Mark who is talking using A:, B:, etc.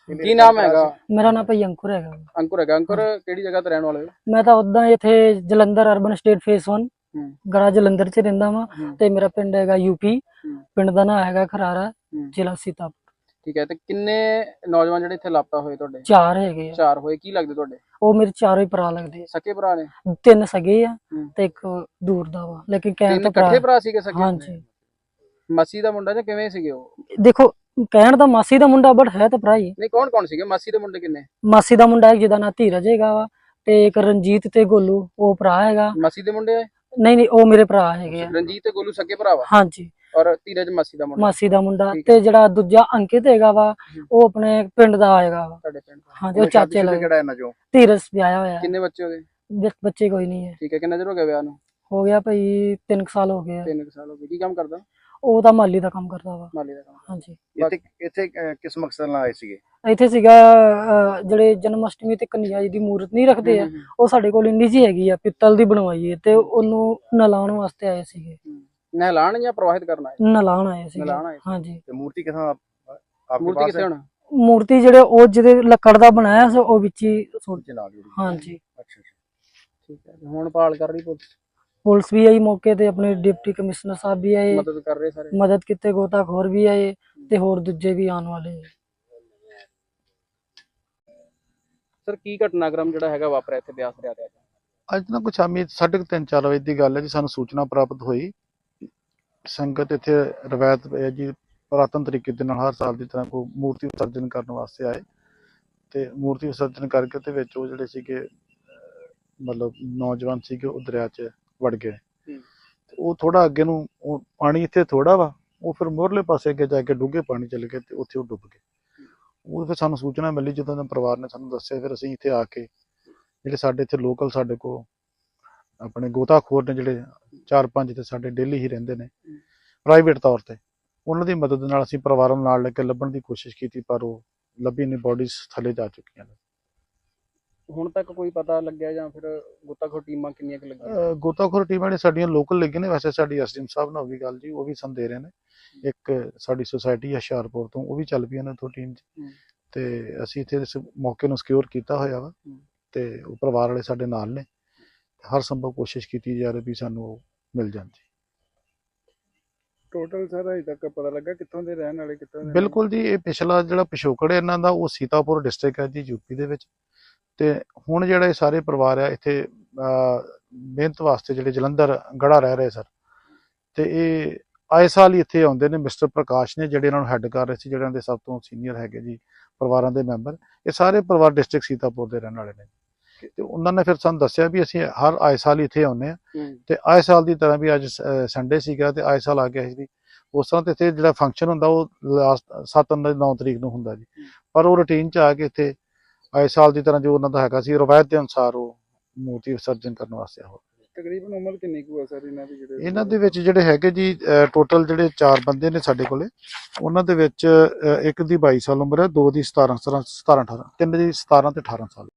A: ਕੀ ਨਾਮ ਹੈਗਾ?
B: ਮੇਰਾ ਨਾਮ ਭਾਈ ਅੰਕੁਰ ਹੈਗਾ।
A: ਅੰਕੁਰ ਹੈਗਾ। ਅੰਕੁਰ ਕਿਹੜੀ ਜਗ੍ਹਾ ਤੇ ਰਹਿਣ ਵਾਲੇ ਹੋ?
B: ਮੈਂ ਤਾਂ ਉਦਾਂ ਇੱਥੇ ਜਲੰਧਰ ਅਰਬਨ ਸਟੇਟ ਫੇਸ 1 ਗਰਾ ਜਲੰਧਰ ਚ ਰਹਿੰਦਾ ਵਾਂ ਤੇ ਮੇਰਾ ਪਿੰਡ ਹੈਗਾ ਯੂਪੀ। ਪਿੰਡ ਦਾ ਨਾਮ ਹੈਗਾ ਖਰਾਰਾ, ਜ਼ਿਲ੍ਹਾ ਸੀਤਾਪੁਰ।
A: ਠੀਕ ਹੈ, ਤੇ ਕਿੰਨੇ ਨੌਜਵਾਨ ਜਿਹੜੇ ਇੱਥੇ ਲਾਪਤਾ ਹੋਏ ਤੁਹਾਡੇ?
B: 4 ਹੈਗੇ ਆ।
A: 4 ਹੋਏ। ਕੀ ਲੱਗਦੇ ਤੁਹਾਡੇ?
B: ਉਹ ਮੇਰੇ ਚਾਰੋਂ ਹੀ ਭਰਾ ਲੱਗਦੇ।
A: ਸਕੇ ਭਰਾ ਨੇ?
B: 3 ਸਗੇ ਆ ਤੇ ਇੱਕ ਦੂਰ ਦਾ ਵਾ, ਲੇਕਿਨ ਕਹਿਣ ਤਾਂ
A: ਇਕੱਠੇ ਭਰਾ ਸੀਗੇ ਸਕੇ?
B: ਹਾਂਜੀ।
A: ਮਾਸੀ ਦਾ ਮੁੰਡਾ ਜਾਂ ਕਿਵੇਂ ਸੀਗੇ ਉਹ?
B: ਦੇਖੋ ਕਹਿਣ ਦਾ ਮਾਸੀ ਦਾ ਮੁੰਡਾ ਬਟ ਹੈ ਤਾਂ ਭਰਾ ਹੀ।
A: ਨਹੀਂ, ਕੌਣ ਕੌਣ ਸੀਗੇ ਮਾਸੀ ਦੇ ਮੁੰਡੇ? ਕਿੰਨੇ?
B: ਮਾਸੀ ਦਾ ਮੁੰਡਾ ਜਿਹਦਾ ਨਾਂ ਧੀਰਜ ਹੈਗਾ ਵਾ, ਤੇ ਇੱਕ ਰਣਜੀਤ ਤੇ ਗੋਲੂ, ਉਹ ਭਰਾ ਹੈਗਾ।
A: ਮਾਸੀ ਦੇ ਮੁੰਡੇ?
B: ਨਹੀਂ, ਉਹ ਮੇਰੇ ਭਰਾ ਹੈਗੇ ਆ।
A: ਰਣਜੀਤ ਤੇ ਗੋਲੂ ਸਕੇ ਭਰਾ ਵਾ?
B: ਹਾਂਜੀ।
A: ਔਰ ਧੀਰਜ ਮਾਸੀ ਦਾ ਮੁੰਡਾ?
B: ਮਾਸੀ ਦਾ ਮੁੰਡਾ। ਤੇ ਜਿਹੜਾ ਦੂਜਾ ਅੰਕਿਤ ਹੈਗਾ ਵਾ, ਉਹ ਆਪਣੇ ਪਿੰਡ ਦਾ ਹੈਗਾ ਵਾ।
A: ਤੁਹਾਡੇ ਪਿੰਡ?
B: ਹਾਂਜੀ, ਉਹ ਚਾਚੇ ਲੱਗਦਾ।
A: ਕਿਹੜਾ ਇਹਨਾਂ ਚੋਂ?
B: ਧੀਰਜ ਵਿਆਹਿਆ ਹੋਇਆ।
A: ਕਿੰਨੇ ਬੱਚੇ ਹੋ ਗਏ?
B: ਬੱਚੇ ਕੋਈ ਨਹੀਂ ਹੈ।
A: ਠੀਕ ਹੈ, ਕਿੰਨਾ ਚਿਰ ਹੋ ਗਿਆ ਵਿਆਹ ਨੂੰ?
B: ਹੋ ਗਿਆ ਭਾਈ 3 ਸਾਲ ਹੋ ਗਏ।
A: 3 ਸਾਲ ਹੋ ਗਏ। ਕੀ ਕੰਮ ਕਰਦਾ?
B: ਉਹ ਤਾਂ ਮਾਲੀ ਦਾ ਕੰਮ ਕਰਦਾ ਵਾ।
A: ਮਾਲੀ ਦਾ ਕੰਮ?
B: ਹਾਂਜੀ।
A: ਇੱਥੇ ਕਿਸ ਮਕਸਦ ਨਾਲ ਆਏ ਸੀਗੇ?
B: ਇੱਥੇ ਸੀਗਾ ਜਿਹੜੇ ਜਨਮ ਅਸ਼ਟਮੀ ਤੇ ਕਨਿਆ ਜੀ ਦੀ ਮੂਰਤ ਨਹੀਂ ਰੱਖਦੇ ਆ, ਉਹ ਸਾਡੇ ਕੋਲ ਇੰਨੀ ਜੀ ਹੈਗੀ ਆ, ਪਿੱਤਲ ਦੀ ਬਣਵਾਈ ਹੈ, ਤੇ ਉਹਨੂੰ ਨਲਾਉਣ ਵਾਸਤੇ ਆਏ ਸੀਗੇ।
A: ਨਹਿਲਾਣ ਜਾਂ ਪ੍ਰਵਾਹਿਤ ਕਰਨਾ?
B: ਨਲਾਉਣ ਆਏ ਸੀਗੇ। ਹਾਂਜੀ।
A: ਤੇ ਮੂਰਤੀ ਕਿੱਥੋਂ ਮੂਰਤੀ ਕਿੱਥੇ ਹੁਣ?
B: ਮੂਰਤੀ ਜਿਹੜੇ ਉਹ ਜਿਹਦੇ ਲੱਕੜ ਦਾ ਬਣਾਇਆ ਸੀ, ਉਹ ਵਿੱਚ ਹੀ ਸੁੱਟ ਚਲਾ ਗਈ। ਹਾਂਜੀ।
A: ਅੱਛਾ, ਠੀਕ ਹੈ। ਹੁਣ ਪਾਲ ਕਰ ਰਹੀ
B: ਪੁਲਿਸ ਵੀ ਆਈ ਮੌਕੇ ਤੇ, ਆਪਣੇ ਡਿਪਟੀ ਕਮਿਸ਼ਨਰ ਸਾਹਿਬ ਵੀ ਆਏ,
A: ਮਦਦ ਕਰ ਰਹੇ ਸਾਰੇ,
B: ਮਦਦ ਕੀਤੇ, ਗੋਤਾਖੋਰ ਵੀ ਆਏ ਤੇ ਹੋਰ ਦੂਜੇ ਵੀ ਆਉਣ ਵਾਲੇ।
A: ਸਰ, ਕੀ ਘਟਨਾਕ੍ਰਮ ਜਿਹੜਾ ਹੈਗਾ ਵਾਪਰਿਆ ਇੱਥੇ ਬਿਆਸ ਦਰਿਆ ਤੇ?
C: ਅੱਜ ਨਾ ਕੁਛ ਸ਼ਾਮੀ 3:30-4 ਵਜੇ ਦੀ ਗੱਲ ਹੈ ਜੀ। ਸਾਨੂੰ ਸੂਚਨਾ ਪ੍ਰਾਪਤ ਹੋਈ, ਸੰਗਤ ਇੱਥੇ ਰਵਾਇਤ ਹੈ ਜੀ, ਪੁਰਾਤਨ ਤਰੀਕੇ ਦੇ ਨਾਲ ਹਰ ਸਾਲ ਦੀ ਤਰ੍ਹਾਂ ਕੋਈ ਮੂਰਤੀ ਵਿਸਰਜਨ ਕਰਨ ਵਾਸਤੇ ਆਏ, ਤੇ ਮੂਰਤੀ ਵਿਸਰਜਨ ਕਰਕੇ ਤੇ ਵਿੱਚ ਉਹ ਜਿਹੜੇ ਸੀਗੇ ਮਤਲਬ ਨੌਜਵਾਨ ਸੀਗੇ, ਉਹ ਦਰਿਆ 'ਚ ਵੜ ਗਏ। ਉਹ ਥੋੜਾ ਅੱਗੇ ਨੂੰ, ਉਹ ਪਾਣੀ ਇੱਥੇ ਥੋੜਾ ਵਾ, ਉਹ ਫਿਰ ਮੋਹਰਲੇ ਪਾਸੇ ਅੱਗੇ ਜਾ ਕੇ ਡੂੰਘੇ ਪਾਣੀ ਚਲੇ ਗਏ ਤੇ ਉੱਥੇ ਉਹ ਡੁੱਬ ਗਏ। ਉਹ ਫਿਰ ਸਾਨੂੰ ਸੂਚਨਾ ਮਿਲੀ, ਜਦੋਂ ਦੇ ਪਰਿਵਾਰ ਨੇ ਸਾਨੂੰ ਦੱਸਿਆ, ਫਿਰ ਅਸੀਂ ਇੱਥੇ ਆ ਕੇ ਜਿਹੜੇ ਸਾਡੇ ਇੱਥੇ ਲੋਕਲ ਸਾਡੇ ਕੋਲ ਆਪਣੇ ਗੋਤਾਖੋਰ ਨੇ, ਜਿਹੜੇ 4-5 ਤੇ ਸਾਡੇ ਡੇਲੀ ਹੀ ਰਹਿੰਦੇ ਨੇ ਪ੍ਰਾਈਵੇਟ ਤੌਰ ਤੇ, ਉਹਨਾਂ ਦੀ ਮਦਦ ਨਾਲ ਅਸੀਂ ਪਰਿਵਾਰਾਂ ਨੂੰ ਨਾਲ ਲੈ ਕੇ ਲੱਭਣ ਦੀ ਕੋਸ਼ਿਸ਼ ਕੀਤੀ, ਪਰ ਉਹ ਲੱਭੀ ਨਹੀਂ। ਬੋਡੀਜ਼ ਥੱਲੇ ਜਾ ਚੁੱਕੀਆਂ ਨੇ।
A: ਹੁਣ ਤੱਕ ਕੋਈ ਪਤਾ ਲੱਗਿਆ ਜਾਂ ਫਿਰ ਗੋਤਾਖੋਰ ਟੀਮਾਂ ਕਿੰਨੀਆਂ ਕੁ ਲੱਗੀਆਂ?
C: ਗੋਤਾਖੋਰ ਟੀਮਾਂ ਨੇ ਸਾਡੀਆਂ ਲੋਕਲ ਲੱਗੀਆਂ ਨੇ। ਵੈਸੇ ਸਾਡੀ ਐਸਡੀਐਮ ਸਾਹਿਬ ਨਾਲ ਵੀ ਗੱਲ ਜੀ, ਉਹ ਵੀ ਸਾਨੂੰ ਦੇ ਰਹੇ ਨੇ। ਇੱਕ ਸਾਡੀ ਸੁਸਾਇਟੀ ਹੁਸ਼ਿਆਰਪੁਰ ਤੋਂ, ਉਹ ਵੀ ਚੱਲ ਪਈ ਉਹਨਾਂ ਤੋਂ ਟੀਮ 'ਚ, ਤੇ ਅਸੀਂ ਇੱਥੇ ਇਸ ਮੌਕੇ ਨੂੰ ਸਿਕਿਉਰ ਕੀਤਾ ਹੋਇਆ ਵਾ, ਤੇ ਉਹ ਪਰਿਵਾਰ ਵਾਲੇ ਸਾਡੇ ਨਾਲ ਨੇ। ਹਰ ਸੰਭਵ ਕੋਸ਼ਿਸ਼ ਕੀਤੀ ਜਾ ਰਹੀ ਵੀ ਸਾਨੂੰ ਉਹ ਮਿਲ ਜਾਣ ਜੀ।
A: ਟੋਟਲ ਸਰ ਅਜੇ ਤੱਕ ਪਤਾ ਲੱਗਾ ਕਿੱਥੋਂ ਦੇ ਰਹਿਣ ਵਾਲੇ? ਕਿੱਥੋਂ ਦੇ?
C: ਬਿਲਕੁਲ ਜੀ, ਇਹ ਪਿਛਲਾ ਜਿਹੜਾ ਪਿਛੋਕੜ ਹੈ ਇਹਨਾਂ ਦਾ, ਉਹ ਸੀਤਾਪੁਰ ਡਿਸਟ੍ਰਿਕਟ ਹੈ ਜੀ, ਯੂਪੀ ਦੇ ਵਿੱਚ। ਤੇ ਹੁਣ ਜਿਹੜਾ ਇਹ ਸਾਰੇ ਪਰਿਵਾਰ ਆ ਇੱਥੇ ਮਿਹਨਤ ਵਾਸਤੇ ਜਿਹੜੇ ਜਲੰਧਰ ਗੜਾ ਰਹਿ ਰਹੇ ਸਰ, ਤੇ ਇਹ ਆਏ ਸਾਲ ਹੀ ਇੱਥੇ ਆਉਂਦੇ ਨੇ। ਮਿਸਟਰ ਪ੍ਰਕਾਸ਼ ਨੇ ਜਿਹੜੇ ਇਹਨਾਂ ਨੂੰ ਹੈੱਡ ਕਰ ਰਹੇ ਸੀ, ਜਿਹੜਿਆਂ ਦੇ ਸਭ ਤੋਂ ਸੀਨੀਅਰ ਹੈਗੇ ਜੀ ਪਰਿਵਾਰਾਂ ਦੇ ਮੈਂਬਰ। ਇਹ ਸਾਰੇ ਪਰਿਵਾਰ ਡਿਸਟ੍ਰਿਕਟ ਸੀਤਾਪੁਰ ਦੇ ਰਹਿਣ ਵਾਲੇ ਨੇ, ਤੇ ਉਹਨਾਂ ਨੇ ਫਿਰ ਸਾਨੂੰ ਦੱਸਿਆ ਵੀ ਅਸੀਂ ਹਰ ਆਏ ਸਾਲ ਹੀ ਇੱਥੇ ਆਉਂਦੇ ਹਾਂ, ਤੇ ਆਏ ਸਾਲ ਦੀ ਤਰ੍ਹਾਂ ਵੀ ਅੱਜ ਸੰਡੇ ਸੀਗਾ ਤੇ ਆਏ ਸਾਲ ਆ ਗਿਆ ਸੀ। ਉਸ ਤਰ੍ਹਾਂ ਤੇ ਇੱਥੇ ਜਿਹੜਾ ਫੰਕਸ਼ਨ ਹੁੰਦਾ ਉਹ ਲਾਸਟ 7-9 ਤਰੀਕ ਨੂੰ ਹੁੰਦਾ ਜੀ, ਪਰ ਉਹ ਰੂਟੀਨ 'ਚ ਆ ਕੇ ਇੱਥੇ ਆਏ ਸਾਲ ਦੀ ਤਰ੍ਹਾਂ ਜੋ ਉਹਨਾਂ ਦਾ ਹੈਗਾ ਸੀ ਰਵਾਇਤ ਦੇ ਅਨੁਸਾਰ ਉਹ ਮੂਰਤੀ ਵਿਸਰਜਨ ਕਰਨ ਵਾਸਤੇ ਹੋ।
A: ਤਕਰੀਬਨ ਉਮਰ ਕਿੰਨੀ ਕੁ ਹੈ ਸਰ ਇਹਨਾਂ ਦੀ?
C: ਇਹਨਾਂ ਦੇ ਵਿੱਚ ਜਿਹੜੇ ਹੈਗੇ ਜੀ ਟੋਟਲ ਜਿਹੜੇ 4 ਬੰਦੇ ਨੇ ਸਾਡੇ ਕੋਲੇ, ਉਹਨਾਂ ਦੇ ਵਿੱਚ ਇੱਕ ਦੀ 22 ਸਾਲ ਉਮਰ ਹੈ, 2 ਦੀ 17-18, 3 ਦੀ 17 ਤੇ 18 ਸਾਲ।